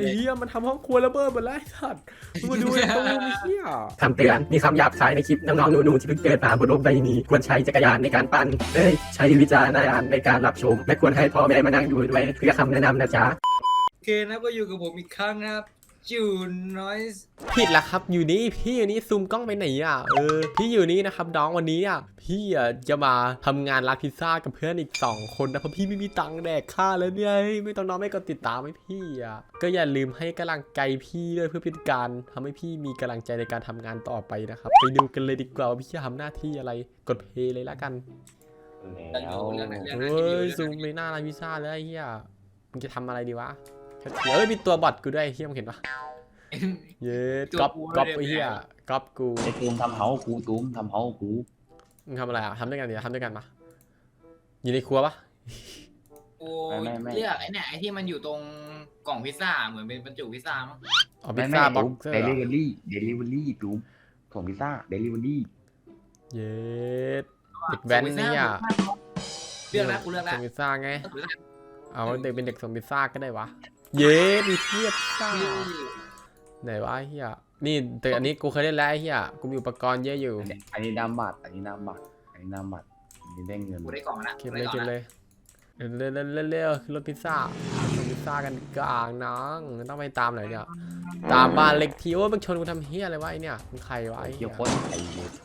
เหี้ยมันทำห้องครัวระเบิดหมดแล้วไอ้สัตว์มึงมาดูไอ้ตู้มีเหี้ยคำเตือนมีคำหยาบคายในคลิปน้องๆหนูๆที่เพิ่งเกิดมาบนโลกใบนี้ควรใช้จักรยานในการปั่นใช้วิจารณญาณในการรับชมและควรให้พ่อแม่มานั่งดูด้วยเพื่อคำแนะนำนะจ๊ะโอเคนะก็อยู่กับผมอีกครั้งนะครับจูนอยส์ผิดละครับอยู่นี่พี่อยู่นี่ซูมกล้องไปไหนอ่ะพี่อยู่นี่นะครับน้องวันนี้อ่ะพี่จะมาทำงานร้านพิซซ่ากับเพื่อนอีก2 คนนะเพราะพี่ไม่มีตังค์แดกข้าวแล้วเนี่ยไม่ต้องน้องไม่กดติดตามให้พี่อ่ะก็อย่าลืมให้กำลังใจพี่ด้วยเพื่อเป็นการทำให้พี่มีกำลังใจในการทำงานต่อไปนะครับไปดูกันเลยดีกว่าว่าพี่จะทำหน้าที่อะไรกดเพลย์เลยละกันแล้วเรื่องนั้นเฮ้ยซูมในหน้าร้านพิซซ่าเลยไอ้เหี้ยมึงจะทำอะไรดีวะเดี๋ยวมีตัวบอทกูด้วยเหี้ยมึงเห็นปะเย้ก๊อปไอ้เหี้ยก๊อปกูไอ้ตูมทำเฮากูตูมทำเฮากูมึงทำอะไรอ่ะทำด้วยกันดิทำด้วยกันปะอยู่ในครัวปะโอ้เลือกไอ้เนี่ยไอ้ที่มันอยู่ตรงกล่องพิซซ่าเหมือนเป็นบรรจุพิซซ่ามั้งอ๋อพิซซ่าบ็อกเซอร์เดลิเวอรี่ตูมส่งพิซซ่าเดลิเวอรี่เย้เด็กแว้นนี่อ่ะเลือกแล้วกูเลือกแล้วส่งพิซซ่าไงเอาเด็กเป็นเด็กส่งพิซซ่าก็ได้วะเย้มีเทียบพิซซ่าไหนวะไอ้เหี้ยนี่แต่อันนี้กูเคยเล่นแล้วไอ้เหี้ยกูมีอุปกรณ์เยอะอยู่อันนี้นามบัตรอันนี้นามบัตรอันนี้ได้เงินกูได้กล่องแล้วเก็บเลยเก็บเลยเร็วขึ้นรถพิซซ่าส่งพิซซ่ากันกลางน้องต้องไปตามไหนเนี่ยตามบ้านเล็กทีว่ามึงชนกูทำเฮียอะไรวะไอเนี่ยมึงใครวะไอเกี่เหี้ยวย โคตรไอ้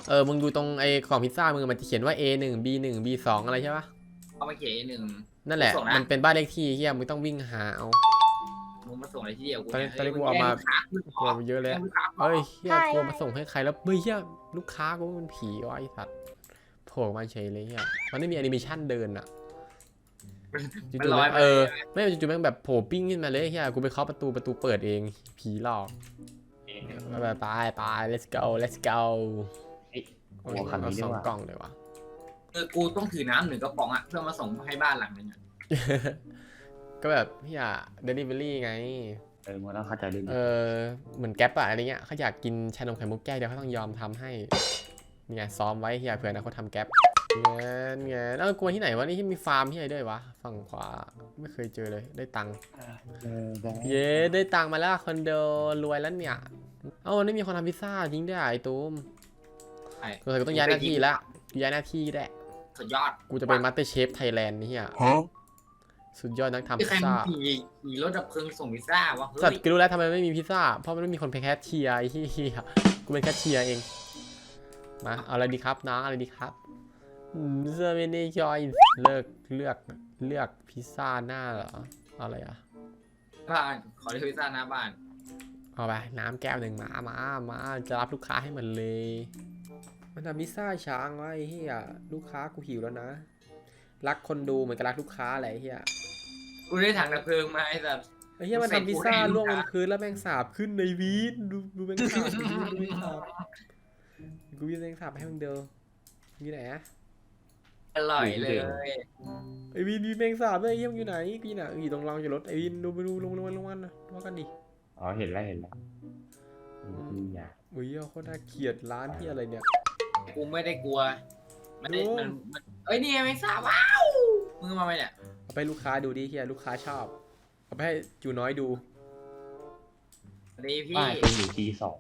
มึงดูตรงไอ้กล่องพิซซ่ามึงมันจะเขียนว่า A1 B1 B2 อะไรใช่ปะเอามาเขียนหนึ่งนั่นแหละมันเป็นบ้านเลขที่เฮียมึงต้องวิ่งหาเอามึงมาส่งอะไรที่เดียวกูตอนนี้กูเอามากลัวเยอะเลยเฮ้ยเฮียกลัวมาส่งให้ใครแล้วเฮียลูกค้ากูมันผีวะไอสัตว์โผล่มาเฉยเลยเฮียมันไม่มีแอนิเมชันเดินอะจู่ๆแม่งไม่จู่ๆแม่งแบบโผล่ปิ้งขึ้นมาเลยเฮียกูไปเคาะประตูเปิดเองผีหลอกไป let's go หัวคันเอานี้สด้อวงยกล่องเลยวะกูต้องถือน้ำ1 กระป๋องอ่ะเพื่อมาส่งให้บ้านหลังนึงอ่ะก็แบบพี่อะ delivery ไงมึงต้องเข้าใจด้วยเหมือนแก๊ปอะอะไรเงี้ยเขาอยากกินชานมไข่มุกแก้วเดี๋ยวเขาต้องยอมทำให้เนี่ยซ้อมไว้เฮียเผื่อนะเขาทำแก๊ปเงี้ยกลัวที่ไหนวะนี่ที่มีฟาร์มที่ไหนด้วยวะฝั่งขวาไม่เคยเจอเลยได้ตังค์เย้ได้ตังค์มาแล้วคอนโดรวยแล้วเนี่ยวันนี้มีคนทำพิซซ่าจริงด้วยไอ้ตูมกูต้องย้ายหน้าที่ละย้ายหน้าที่แหละสุดยอดกูจะเป็นมาสเตอร์เชฟไทยแลนด์นี่เฮียสุดยอดนักทำพิซใครซ่าขี่รถดับเพลิงส่งพิซซ่าวะสัตว์กูรู้แล้วทำไมไม่มีพิซซ่าเพราะมันไม่มีคนเป็นแคชเชียร์ไอ้เหี้ยกูเป็นแคชเชียร์เองมาเอาอะไรดีครับน้องอะไรดีครับเซอร์เมนี่จอยเลือกพิซซ่าหน้าเหรออะไรอ่ะบ้านขอเลือกพิซซ่าหน้าบ้านเอาไปน้ำแก้วหนึ่งมาจะรับลูกค้าให้มันเลยมันทำพิซซ่าช้างไว้เฮียลูกค้ากูหิวแล้วนะรักคนดูเหมือนกับรักลูกค้าอะไรเฮียกูได้ถังดับเพลิงมาไอ้สัสไอ้เฮียมันทำพิซซ่าล่วงบนพื้นแล้วแมงสาบขึ้นในวีดดูแมงสาบดูแมงสาบกูวิ่งแมงสาบให้มึงเดียวอยู่ไหนอะอร่อยเลยไอวินมีแมงสาบด้วยเฮียมึงอยู่ไหนกูอยู่ไหนอยู่ตรงรางจอดรถไอวินดูไปดูลงมันนะว่ากันดิอ๋อเห็นแล้วอย่าอุ้ยโคตรน่าเกลียดร้านที่อะไรเนี่ยกูไม่ได้กลัวมันเอ้ยนี่ไม่ทราบว้าวมึงมาไหมเนี่ยเอาไปลูกค้าดูดิเฮียลูกค้าชอบเอาไปให้จูน้อยดูดีพี่ป้ายเป็นอยู่ที2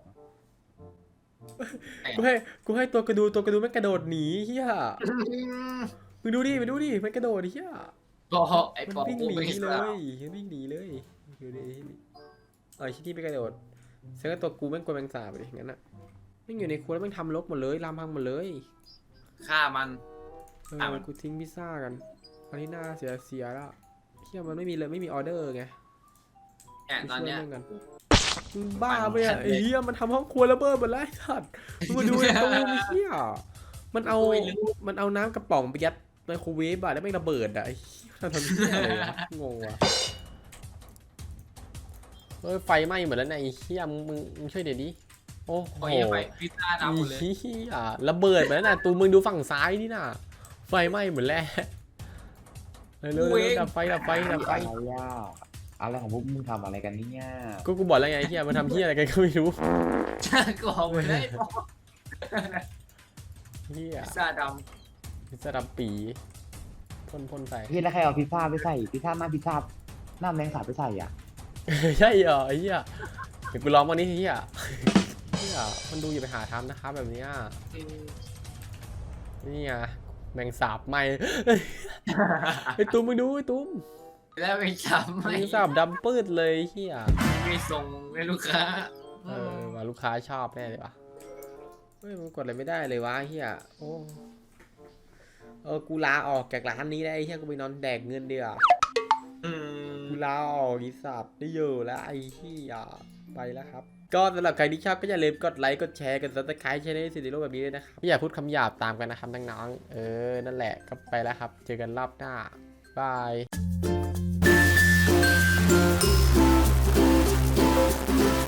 กูให้ตัวกระดูแม่งกระโดดหนีเฮียมึงดูดิมันกระโดดเฮียไอ้มันปอวิ่งกูหนีไม่เลทราบยวิ่งหนีเลยดูดิชิ้นที่ไปกระโดดเซงตัวกูแม่งกลัวแมงสาบเลยงั้นอ่ะแม่งอยู่ในครัวแล้วแม่งทำรกหมดเลยลามพังหมดเลยฆ่ามันกูทิ้งพิซซ่ากันอันนี้น่าเสียแล้วเฮียมันไม่มีเลยไม่มีออเดอร์ไงเนี่ยตอนเนี้ยมึงบ้าไปอ่ะไอ้เฮียมันทำห้องครัวระเบิดหมดแล้วไอ้สัตว์มึงมาดูไอ้ตู้มีเฮียมันเอาน้ำกระป๋องไปยัดไมโครเวฟอะแล้วไม่ระเบิดอะไอ้เหี้ยทำเฮียอะไรวะงงว่ะไฟไหม้หมดแล้วนะไอ้เฮียมึงช่วยเดี๋ยวดิโอ้โหไปพิซซ่าดำหมดเลยเฮียระเบิดหมดแล้วนะตูมึงดูฝั่งซ้ายนี่น่ะไฟไหม้หมดแล้วเร็วดับไฟอะไรของพวกมึงทำอะไรกันเนี่ยกูบอกแล้วไงเฮียมันทำเฮียอะไรกันก็ไม่รู้ก็เอาไปได้เฮียพิซซ่าดพิซซ่าดำปีพ่นใส่พี่แล้วใครเอาพิซซ่าไปใส่พิซซ่าหน้าแมงสาบไปใส่อ่ะใช่เหรอไอ้เหี้ยเดี๋ยวกูลองวันนี้เหี้ยเหี้ยมันดูอย่าไปหาทำนะครับแบบเนี้ยนี่ไงแมงสาบไหมไอ้ตุ้มมึงดูไอ้ตุ้มแล้วไม่จำแมไม่งสาบดำปืดเลยเหี้ยไม่ส่งให้ลูกค้าว่าลูกค้าชอบแน่เลยวะเฮ้ยมันกดอะไรไม่ได้เลยวะเฮียโอ้กูลาออกจากร้านนี้ได้ไอ้เฮียกูไปนอนแดกเงินเดียวากูลาออกอีสัตว์ได้อยู่แล้วไอ้เฮียไปแล้วครับก็สำหรับใครที่ชอบก็อย่าลืมกดไลค์กดแชร์กดซับสไครต์ช่องนี้สิริโลแบบนี้ด้วยนะครับอย่าพูดคำหยาบตามกันนะครับน้องๆนั่นแหละก็ไปแล้วครับเจอกันรอบหน้าบาย